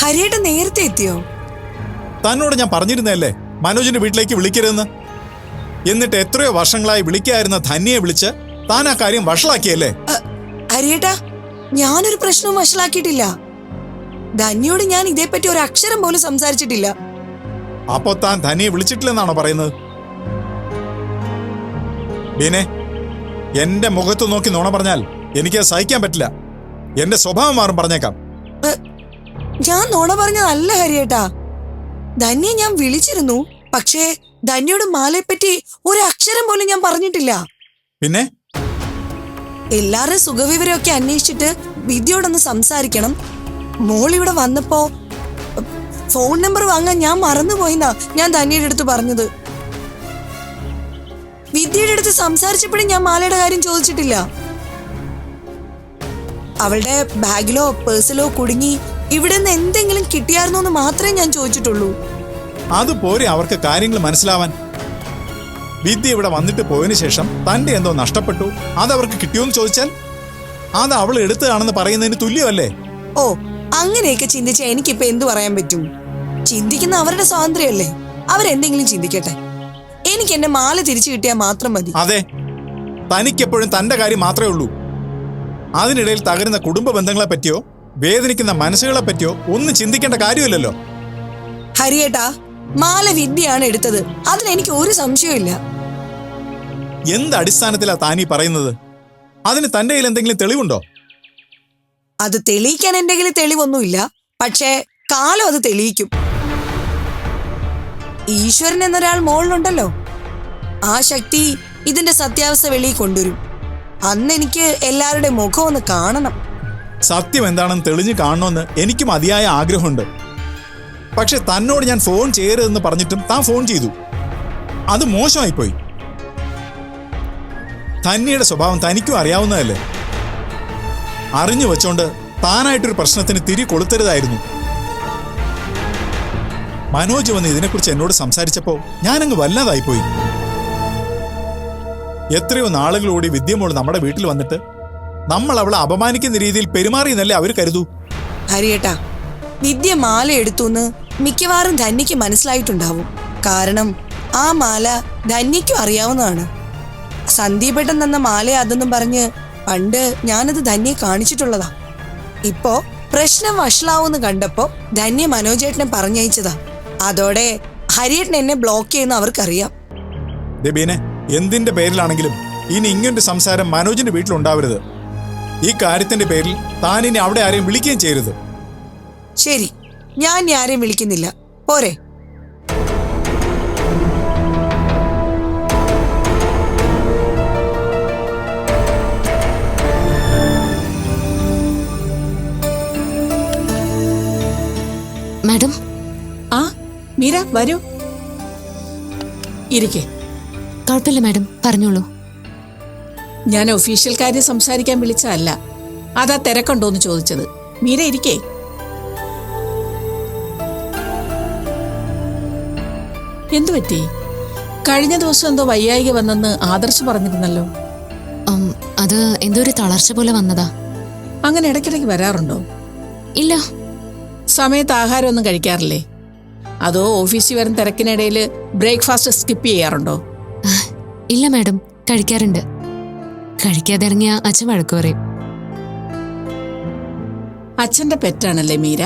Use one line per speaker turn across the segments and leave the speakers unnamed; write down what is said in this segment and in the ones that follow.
ഹരിയേട്ടൻ നേരത്തെ എത്തിയോ?
തന്നോട് ഞാൻ പറഞ്ഞിരുന്നല്ലേ മനോജിന്റെ വീട്ടിലേക്ക് വിളിക്കരുതെന്ന്. എന്നിട്ട് എത്രയോ വർഷങ്ങളായി വിളിക്കായിരുന്ന ധന്യയെ വിളിച്ച് താൻ ആ കാര്യം വഷളാക്കിയല്ലേ?
ഹരിയേട്ടാ, ഞാനൊരു പ്രശ്നവും വഷളാക്കിയിട്ടില്ല. ധന്യയോട് ഞാൻ ഇതേപ്പറ്റി ഒരു അക്ഷരം പോലും സംസാരിച്ചിട്ടില്ല.
അപ്പോ താൻ ധന്യയെ വിളിച്ചിട്ടില്ലെന്നാണോ പറയുന്നത്? ബീനെ, എന്റെ മുഖത്ത് നോക്കി നുണ പറഞ്ഞാൽ എനിക്ക് സഹിക്കാൻ പറ്റില്ല. എന്റെ സ്വഭാവം മാറും, പറഞ്ഞേക്കാം.
ഞാൻ നുണ പറഞ്ഞതല്ല ഹരിയേട്ടാ. ധന്യെ ഞാൻ വിളിച്ചിരുന്നു. പക്ഷേ ധന്യയോട് മാലയെപ്പറ്റി ഒരു അക്ഷരം പോലും ഞാൻ പറഞ്ഞിട്ടില്ല.
പിന്നെ
എല്ലാവരുടെ സുഖവിവരമൊക്കെ അന്വേഷിച്ചിട്ട് വിദ്യയോടൊന്ന് സംസാരിക്കണം. മോൾ ഇവിടെ വന്നപ്പോ ഫോൺ നമ്പർ വാങ്ങാൻ ഞാൻ മറന്നുപോയിന്നാ ഞാൻ ധന്യയുടെ അടുത്ത് പറഞ്ഞത്. വിദ്യയുടെ അടുത്ത് സംസാരിച്ചപ്പോഴും ഞാൻ മാലയുടെ കാര്യം ചോദിച്ചിട്ടില്ല. അവളുടെ ബാഗിലോ പേഴ്സിലോ കുടുങ്ങി ഇവിടെ നിന്ന് എന്തെങ്കിലും കിട്ടിയായിരുന്നോ എന്ന് മാത്രമേ ഞാൻ ചോദിച്ചിട്ടുള്ളൂ.
അതുപോലെ അവർക്ക് കാര്യങ്ങൾ മനസ്സിലാവാൻ. വിദ്യ ഇവിടെ വന്നിട്ട് പോയതിനു ശേഷം തന്റെ എന്തോ നഷ്ടപ്പെട്ടു, അതവർക്ക് കിട്ടിയോന്ന് ചോദിച്ചാൽ അത് അവൾ എടുത്തതാണെന്ന് പറയുന്നതിന് തുല്യമല്ലേ?
ഓ, അങ്ങനെയൊക്കെ ചിന്തിച്ചാൽ എനിക്കിപ്പോ എന്തു പറയാൻ പറ്റും? ചിന്തിക്കുന്ന അവരുടെ സ്വാതന്ത്ര്യമല്ലേ, അവരെന്തെങ്കിലും ചിന്തിക്കട്ടെ. എനിക്ക് എന്റെ മാല തിരിച്ചു കിട്ടിയാൽ മാത്രം മതി.
അതെ, തനിക്കെപ്പോഴും തന്റെ കാര്യം മാത്രമേ ഉള്ളൂ. അതിനിടയിൽ തകരുന്ന കുടുംബ ബന്ധങ്ങളെ പറ്റിയോ വേദനിക്കുന്ന മനസ്സുകളെ പറ്റിയോ ഒന്നും ചിന്തിക്കേണ്ട കാര്യമില്ലല്ലോ.
ഹരിയേട്ടാ, മാല വിദ്യയാണ് എടുത്തത്, അതിനെനിക്ക് ഒരു സംശയമില്ല.
എന്ത് അടിസ്ഥാനത്തിലാ താനീ പറയുന്നത്? അതിന് തന്റെ കയ്യിൽ എന്തെങ്കിലും തെളിവുണ്ടോ?
അത് തെളിയിക്കാൻ എന്റെ കയ്യിൽ തെളിവൊന്നുമില്ല. പക്ഷേ കാലം അത് തെളിയിക്കും. ഈശ്വരൻ എന്നൊരാൾ മോളിലുണ്ടല്ലോ, ആ ശക്തി ഇതിന്റെ സത്യാവസ്ഥ വെളിയിൽ കൊണ്ടുവരും. അന്ന് എനിക്ക് എല്ലാവരുടെ മുഖം ഒന്ന് കാണണം.
സത്യം എന്താണെന്ന് തെളിഞ്ഞു കാണണമെന്ന് എനിക്ക് മതിയായ ആഗ്രഹമുണ്ട്. പക്ഷെ തന്നോട് ഞാൻ ഫോൺ ചെയ്യരുതെന്ന് പറഞ്ഞിട്ടും താൻ ഫോൺ ചെയ്തു. അത് മോശമായിപ്പോയി. ധന്യയുടെ സ്വഭാവം തനിക്കും അറിയാവുന്നതല്ലേ. അറിഞ്ഞു വെച്ചോണ്ട് താനായിട്ടൊരു പ്രശ്നത്തിന് തിരി കൊളുത്തരുതായിരുന്നു. മനോജ് വന്ന് ഇതിനെക്കുറിച്ച് എന്നോട് സംസാരിച്ചപ്പോ ഞാനങ്ങ് വല്ലാതായിപ്പോയി. എത്രയോ നാളുകളോടി വിദ്യമോള് നമ്മുടെ വീട്ടിൽ വന്നിട്ട് നമ്മൾ അവളെ അപമാനിക്കുന്ന രീതിയിൽ പെരുമാറിയെന്നല്ലേ അവർ കരുതൂ.
ഹരിയേട്ടാ, വിദ്യ മാല എടുത്തുന്ന് മിക്കവാറും ധന്യയ്ക്ക് മനസ്സിലായിട്ടുണ്ടാവും. കാരണം ആ മാല ധന്യയ്ക്കും അറിയാവുന്നതാണ്. സന്ദീപേട്ടൻ തന്ന മാല അതെന്നും പറഞ്ഞ് പണ്ട് ഞാനത് ധന്യെ കാണിച്ചിട്ടുള്ളതാ. ഇപ്പോ പ്രശ്നം വഷളാവൂന്ന് കണ്ടപ്പോ ധന്യ മനോജേട്ടനെ പറഞ്ഞയച്ചതാ. അതോടെ ഹരിയേട്ടൻ എന്നെ ബ്ലോക്ക് ചെയ്യുന്ന അവർക്കറിയാം.
ദബീനെ, എന്തിന്റെ പേരിലാണെങ്കിലും ഇനി ഇങ്ങനൊരു സംസാരം മനോജിന്റെ വീട്ടിലുണ്ടാവരുത്. ഈ കാര്യത്തിന്റെ പേരിൽ താൻ ഇനി അവിടെ ആരെയും വിളിക്കുകയും ചെയ്യരുത്.
ശരി, ഞാൻ ആരെയും വിളിക്കുന്നില്ല. പോരെ?
മാഡം.
ആ മീര, വരൂ, ഇരിക്കേ.
കുഴപ്പമില്ല മാഡം, പറഞ്ഞോളൂ.
ഞാൻ ഒഫീഷ്യൽ കാര്യം സംസാരിക്കാൻ വിളിച്ചതല്ല, അതാ തിരക്കുണ്ടോന്ന് ചോദിച്ചത്. മീര ഇരിക്കേ. എന്തു പറ്റി? കഴിഞ്ഞ ദിവസം എന്തോ വയ്യായിക വന്നെന്ന് ആദർശ് പറഞ്ഞിരുന്നല്ലോ.
അത് എന്തോ ഒരു തളർച്ച പോലെ വന്നതാ.
അങ്ങനെ ഇടയ്ക്കിടയ്ക്ക് വരാറുണ്ടോ?
ഇല്ല.
സമയത്ത് ആഹാരമൊന്നും കഴിക്കാറില്ലേ? അതോ ഓഫീസിൽ വരുന്ന തിരക്കിനിടയിൽ ബ്രേക്ക്ഫാസ്റ്റ് സ്കിപ്പ് ചെയ്യാറുണ്ടോ?
ഇല്ല മാഡം, കഴിക്കാറുണ്ട്. കഴിക്കാതെ ഇറങ്ങിയ അച്ഛൻ വഴക്ക് പറയും.
അച്ഛന്റെ പെറ്റാണല്ലേ മീര?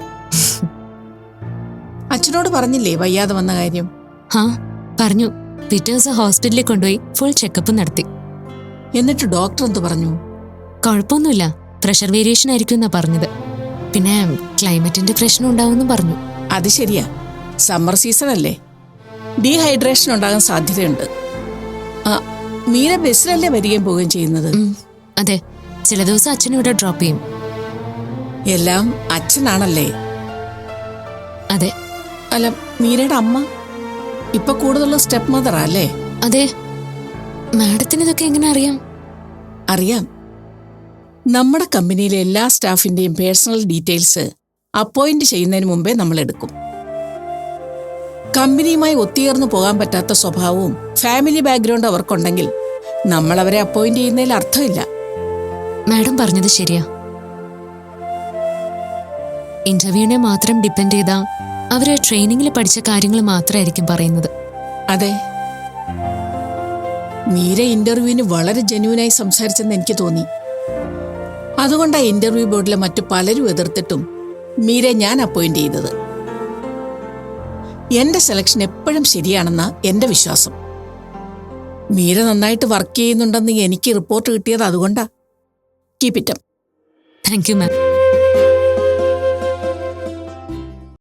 അച്ഛനോട് പറഞ്ഞില്ലേ വയ്യാതെ വന്ന കാര്യം?
ഹാ, പറഞ്ഞു. പിറ്റേ ദിവസം ഹോസ്പിറ്റലിൽ കൊണ്ടുപോയി ഫുൾ ചെക്കപ്പ് നടത്തി.
എന്നിട്ട് ഡോക്ടർ എന്തു പറഞ്ഞു?
കുഴപ്പമൊന്നുമില്ല, പ്രഷർ വേരിയേഷൻ ആയിരിക്കും എന്നാ പറഞ്ഞത്. പിന്നെ ക്ലൈമറ്റിന്റെ പ്രശ്നം ഉണ്ടാവുമെന്നും പറഞ്ഞു.
അത് ശരിയാ, സമ്മർ സീസൺ അല്ലേ, ഡീഹൈഡ്രേഷൻ ഉണ്ടാകാൻ സാധ്യതയുണ്ട്. മീര ബസ്സിലല്ലേ വരികയും പോവുകയും ചെയ്യുന്നത്?
അതെ, ചില ദിവസം അച്ഛൻ ഇവിടെ ഡ്രോപ്പ് ചെയ്യും.
എല്ലാം അച്ഛനാണല്ലേ?
അതെ.
അല്ല, മീരയുടെ അമ്മ ഇപ്പൊ കൂടുതലുള്ള സ്റ്റെപ്പ് മദറാ അല്ലേ?
അതെ. മാഡത്തിന് ഇതൊക്കെ എങ്ങനെ അറിയാം?
അറിയാം. നമ്മുടെ കമ്പനിയിലെ എല്ലാ സ്റ്റാഫിന്റെയും പേഴ്സണൽ ഡീറ്റെയിൽസ് അപ്പോയിന്റ് ചെയ്യുന്നതിന് മുമ്പേ നമ്മൾ എടുക്കും. കമ്പനിയുമായി ഒത്തുചേർന്ന് പോകാൻ പറ്റാത്ത സ്വഭാവവും ഫാമിലി ബാക്ക്ഗ്രൗണ്ട് അവർക്കുണ്ടെങ്കിൽ നമ്മൾ അവരെ അപ്പോയിന്റ് ചെയ്യുന്നതിൽ അർത്ഥമില്ല.
മാഡം പറഞ്ഞത് ശരിയാ. ഇന്റർവ്യൂവിനെ മാത്രം ഡിപ്പെൻഡ് ചെയ്താ അവര് ട്രെയിനിങ്ങിൽ പഠിച്ച കാര്യങ്ങൾ മാത്രമായിരിക്കും പറയുന്നത്.
അതെ, മീര ഇന്റർവ്യൂവിന് വളരെ ജെന്യൂനായി സംസാരിച്ചെന്ന് എനിക്ക് തോന്നി. അതുകൊണ്ടാണ് ഇന്റർവ്യൂ ബോർഡിലെ മറ്റു പലരും എതിർത്തിട്ടും മീരെ ഞാൻ അപ്പോയിന്റ് ചെയ്തത്. എന്റെ സെലക്ഷൻ എപ്പോഴും ശരിയാണെന്നാ എന്റെ വിശ്വാസം. മീര നന്നായിട്ട് വർക്ക് ചെയ്യുന്നുണ്ടെന്ന് എനിക്ക് റിപ്പോർട്ട് കിട്ടിയത് അതുകൊണ്ടാ. Keep it up.
Thank you ma'am.